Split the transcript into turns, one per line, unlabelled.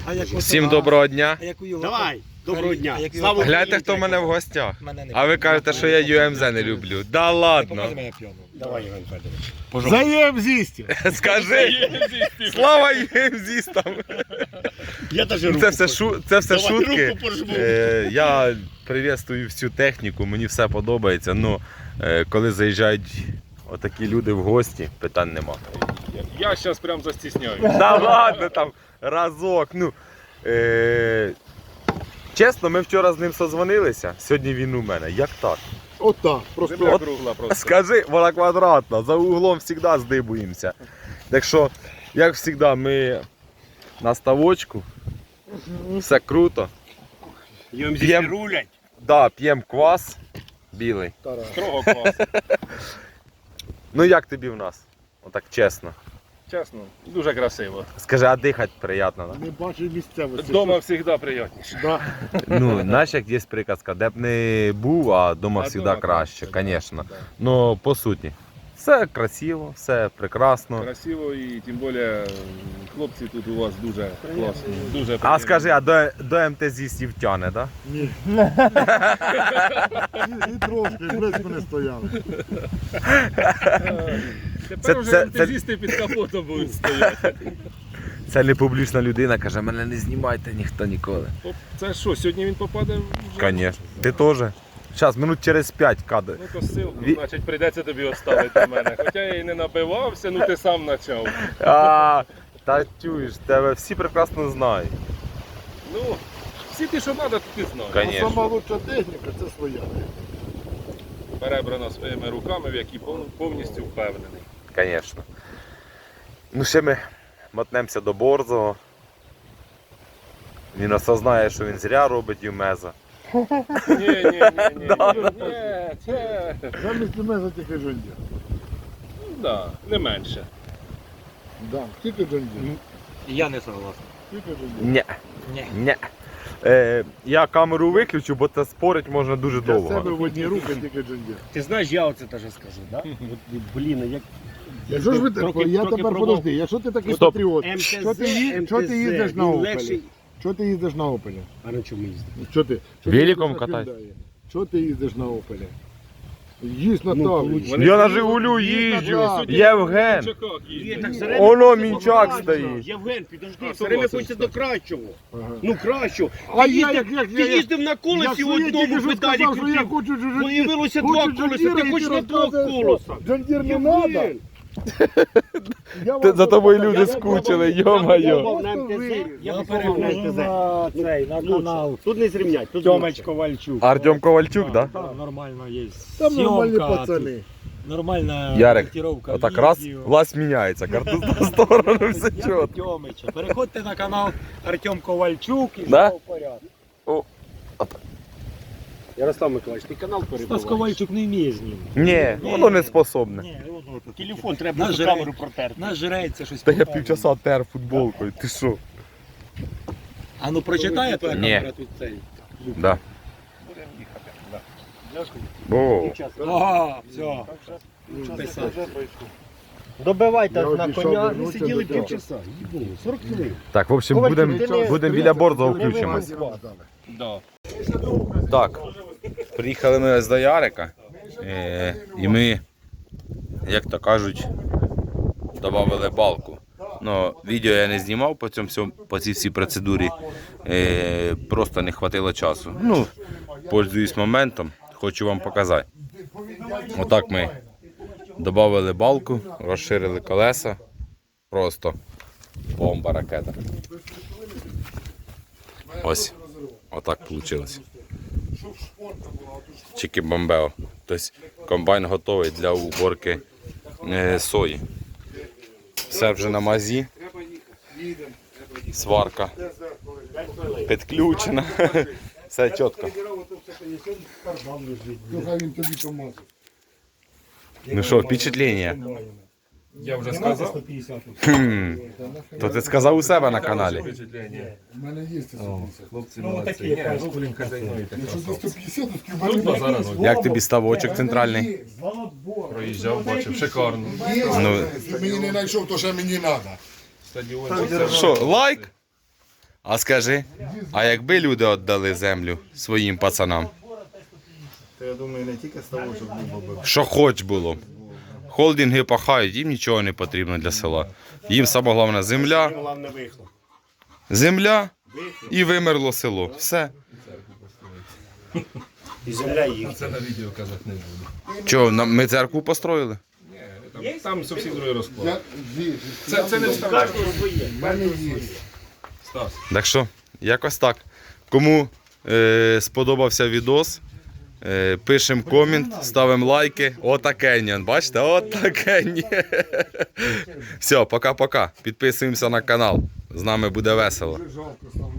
Всім доброго дня.
Давай, доброго дня.
Гляньте, хто в мене в гостях. А ви кажете, що я ЮМЗ не люблю. Да ладно.
Давай, Іван Федорович.
За ЮМЗістів.
Скажи. Слава ЮМЗістам.
Я даже руку
Це все
Давай,
шутки.
руку пожму.
Я приветствую всю техніку, мені все подобається. Ну, коли заїжджають отакі люди в гості, питань нема.
Я зараз прям застісняюсь.
Да ладно, там разок. Ну, чесно, ми вчора з ним созвонилися, сьогодні він у мене. Як так?
Отак, просто.
Земля кругла просто.
Скажи, вона квадратна, за углом завжди здибуємося. Так що, як завжди, ми на ставочку, все круто.
ЮМЗ рулять.
Да, п'ємо квас білий.
Строго клас.
Ну як тобі в нас? Отак чесно.
Чесно, дуже красиво.
Скажи, а дихати приємно, да?
Не бачу місцевості.
Дома завжди приємніше.
Да.
Ну, знаєш, як є приказка, де б не був, а дома
А
завжди
дома
краще,
краще,
звісно.
да.
Ну, по суті, все красиво, все прекрасно.
Красиво і тим більше хлопці тут у вас дуже класні. Дуже
А
приємні.
скажи, а до МТЗістів тяне, да?
Ні. І трошки, близько не стояли.
Тепер
це-
вже
це-
ентузісти під капотом будуть стояти.
Це не публічна людина, каже, мене не знімайте ніхто ніколи.
Оп, це що, сьогодні він попаде вже?
Звісно. Ти теж. Зараз, минут через 5 кадр.
Ну то ссылку, значить прийдеться тобі оставити мене. Хоча я і не набивався, ну ти сам почав.
Та чуєш, тебе всі прекрасно знають.
Ну, всі ті, що треба, то ти знаєш.
А
Конечно.
сама лучша техніка це своя.
Перебрано своїми руками, в які повністю впевнений.
Звісно. Ну ще ми мотнемося до Борзого. Він осознає, що він зря робить юмеза.
Ні, це...
Замість мене тільки Джондір.
Да, не менше.
Да, тільки Джондір.
Я не согласен.
Тільки Джондір.
Ні. Я камеру виключу, бо це спорить можна дуже
Для себе
довго.
в одні руки тільки Джондір.
Ти знаєш, я оце теж скажу, да? От, блін, як...
Якщо ж ви так, я тепер подожди, якщо ти такий
Стоп.
патріот,
МТЗ,
що ти їздиш на
він
Опелі?
легший.
Що ти їздиш на Опелі?
А на чому їздиш?
Що ти?
Великом катайся.
Що ти їздиш на Опелі? Їсть на
Ну,
Таврі.
получ-
Я на Жигулю їжджу.
Таврі.
Євген.
Є, так все время
Оно
хочеться
мінчак
до
стоїть.
кращого. Євген, підожди,
А,
все время
согласен,
хочеться до кращого.
Ага.
Ну, кращого.
А
Ти
я
їздив- ти їздив на колесі в одному педалі
сказав, що я
крутив.
хочу
Появилося два колеса, ти хочеш на двох колесах.
Джондір не
Євген,
треба.
За тобою люди скучили, йо-моє.
на МТЗ, я попередив на МТЗ.
На канал.
Тут не зрівнять, тут
Тьомич Ковальчук.
Артем Ковальчук, да?
Там нормально є.
Там нормальні
Съемка
пацани.
тут, нормальна
Ярик,
корректировка
отак раз,
відео.
власть міняється, карту в сторону, все чітко.
Тьомича. Переходьте на канал Артем Ковальчук і
Да?
все в порядку.
Ярослав Миколаївич, ти канал
Стас
перебуваєш?
Ковальчук не вміє знімати.
Ні, воно не способне.
Ні, воно тут.
Телефон треба
Нажре-
на камеру протерти.
Нажреться щось.
Та я
покаже.
півчаса тер футболкою, ти що?
А ну прочитає твоя
Ні.
камера тут цей.
Да. О,
Ага, все. Писати.
Добивайте
Я
на
обійшов
коня, ми
вернутися
сиділи
до цього.
півчаса. Їбу, 40 хвилин.
так, в общем, будемо біля Борзого включимось.
Да.
Так, приїхали ми ось до Ярика, і ми, як то кажуть, додали балку. Ну, відео я не знімав по цій всій процедурі, просто не хватило часу. Ну, пользуюсь моментом, хочу вам показати. Отак ми додали балку, розширили колеса, просто бомба ракета. Ось, отак вийшло. Чики-бомбео. Тобто комбайн готовий для уборки сої. Все вже на мазі. Сварка підключена. Все чітко.
Хай він тобі поможе.
Ну що, впечатлення?
Я вже сказав.
То ти сказав у себе на каналі.
У мене є 150.
Хлопці молодці. Ні, блін, хазяйнуєте.
Якщо за 150, то скільки
Тут базара ноль.
Як тобі ставочок центральний?
Проїжджав, бачив, шикарно.
Ну,
Якщо мені не знайшов, то ще мені треба.
Стадіон.
що, лайк? А скажи, а якби люди віддали землю своїм пацанам?
То я думаю, не тільки з того, щоб було б.
Що хоч було. Холдинги пахають, їм нічого не потрібно для села. Їм саме головне земля,
Головне вихлоп.
земля і вимерло село. Все.
І земля їх.
Це на відео казати не буду.
Чого, ми церкву построїли?
Там зовсім другий розклад.
Я
Це не вставляє.
в мене є.
Стас.
Так що, якось так. Кому сподобався відос, пишемо комент, ставимо лайки. Отакеньон, бачите? Отакеньон. Все, пока-пока. Підписуємося на канал. З нами буде весело.
Жалко стало.